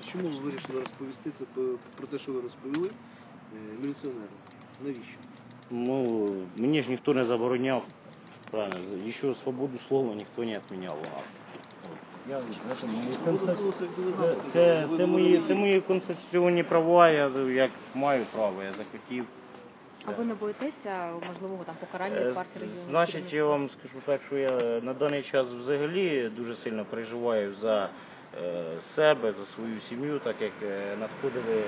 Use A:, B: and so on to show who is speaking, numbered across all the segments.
A: чому ви вирішили розповісти це про те, що ви розповіли міліціонерам? Навіщо?
B: Ну, мені ж ніхто не забороняв. Правильно, ще свободу слова ніхто не відміняв у нас. Це мої конституційні права, я як маю право, я захотів.
C: А ви не боїтеся можливого там покарання від партії регіонів?
B: Значить, я вам скажу так, що я на даний час взагалі дуже сильно переживаю за себе, за свою сім'ю, так як надходили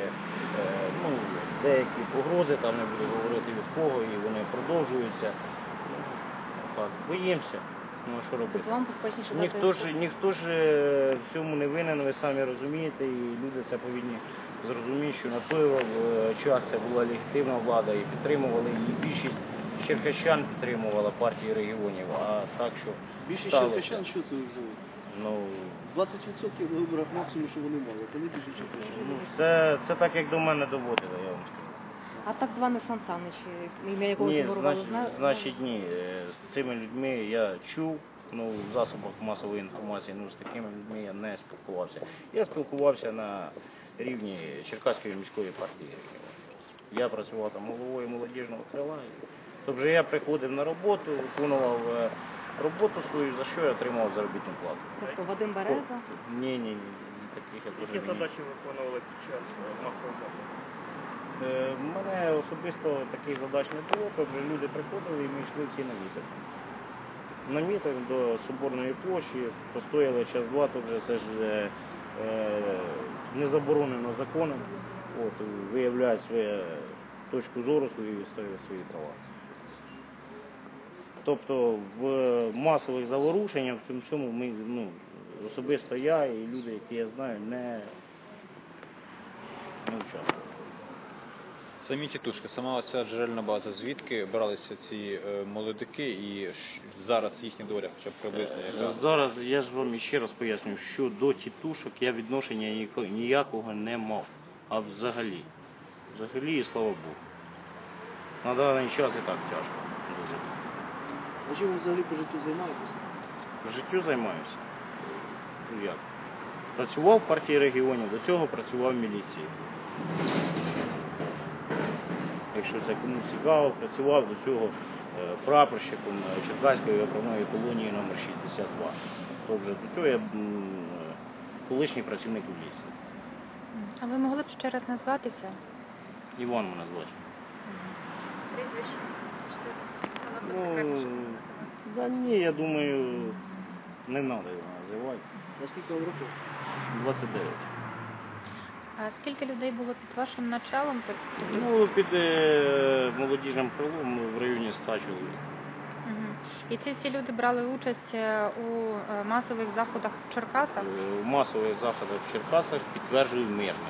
B: деякі погрози, там не буду говорити від кого, і вони продовжуються. Так, боїмося. Ну, що робити?
C: Тобто вам безпечніше
B: Ніхто ж в цьому не винен, ви самі розумієте, і люди це повинні зрозуміти, що на той час це була легітимна влада і підтримували її. Більшість черкащан підтримувала партії регіонів, а так що
A: більшість черкащан, що це взяли?
B: Ну,
A: 20% на виборах максимум, що вони мали, це не більше черкащан.
B: Ну, це так, як до мене доводили, я вам скажу.
C: А так званий Сан Санич, ім'я якого фігурувало, знаєте?
B: Значить, ні. З цими людьми я чув, в засобах масової інформації, з такими людьми я не спілкувався. Я спілкувався на рівні Черкаської міської партії. Я працював там головою молодіжного крила. Тобто я приходив на роботу, виконував роботу свою, за що я отримав заробітну плату.
C: Тобто Вадим Береза?
B: Ні, таких я теж.
D: Які задачі виконували під час масового заходу?
B: У мене особисто таких задач не було, тобто люди приходили і ми йшли всі на мітинг. На мітинг до Соборної площі, постояли час-два, то вже це ж не заборонено законом, виявляють свою точку зору свою і відстоюють свої права. Тобто в масових заворушеннях в цьому ми, особисто я і люди, які я знаю, не участвували.
E: Самі тітушки, сама ця джерельна база, звідки бралися ці молодики і зараз їхня доля хоча б приблизно яка?
B: Зараз я ж вам ще раз поясню, що до тітушок я відношення ніякого не мав, а взагалі. Взагалі, і слава Богу. На даний час і так тяжко дуже.
A: А чим ви взагалі по життю займаєтеся?
B: По життю займаюся. Ну як? Працював в партії регіонів, до цього працював в міліції. Якщо це комусь цікаво, працював до цього прапорщиком Черкаської окремої колонії номер 62. Тобто до цього я колишній працівник міліції.
F: А ви могли б ще раз назватися?
B: Іван мене звати.
F: Прізвище?
B: Ні, я думаю, не треба його називати.
A: А скільки вам років?
B: 29.
F: А скільки людей було під вашим началом?
B: Під молодіжним крилом в районі 100 чоловік.
F: І ці всі люди брали участь у масових заходах в Черкасах?
B: В масових заходах в Черкасах підтверджую мирно.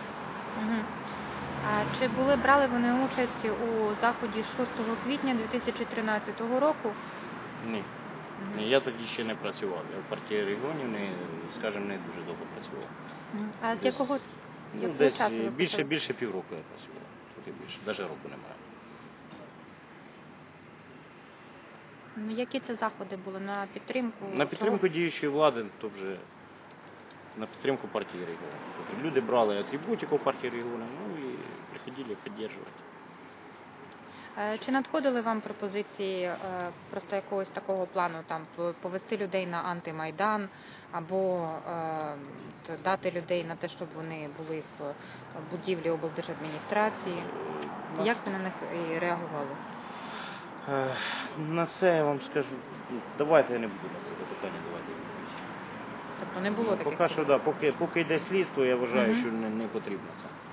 F: А чи брали вони участь у заході 6 квітня 2013 року?
B: Ні. Я тоді ще не працював. Я в партії регіонів, скажімо, не дуже довго працював.
F: А з якого
B: десь
F: часу ви
B: більше півроку я працював. Трохи більше, навіть року немає.
F: Які це заходи були на підтримку?
B: На підтримку діючої влади, тобто на підтримку партії регіонів. Тобто люди брали атрибутику партії регіонів, і приходили підтримувати.
F: Чи надходили вам пропозиції просто якогось такого плану, там повести людей на антимайдан або дати людей на те, щоб вони були в будівлі облдержадміністрації? Як ви на них реагували?
B: На це я вам скажу, давайте я не буду на це запитання давати.
F: Тобто не було таких?
B: Поки що, поки йде слідство, я вважаю, що не потрібно це.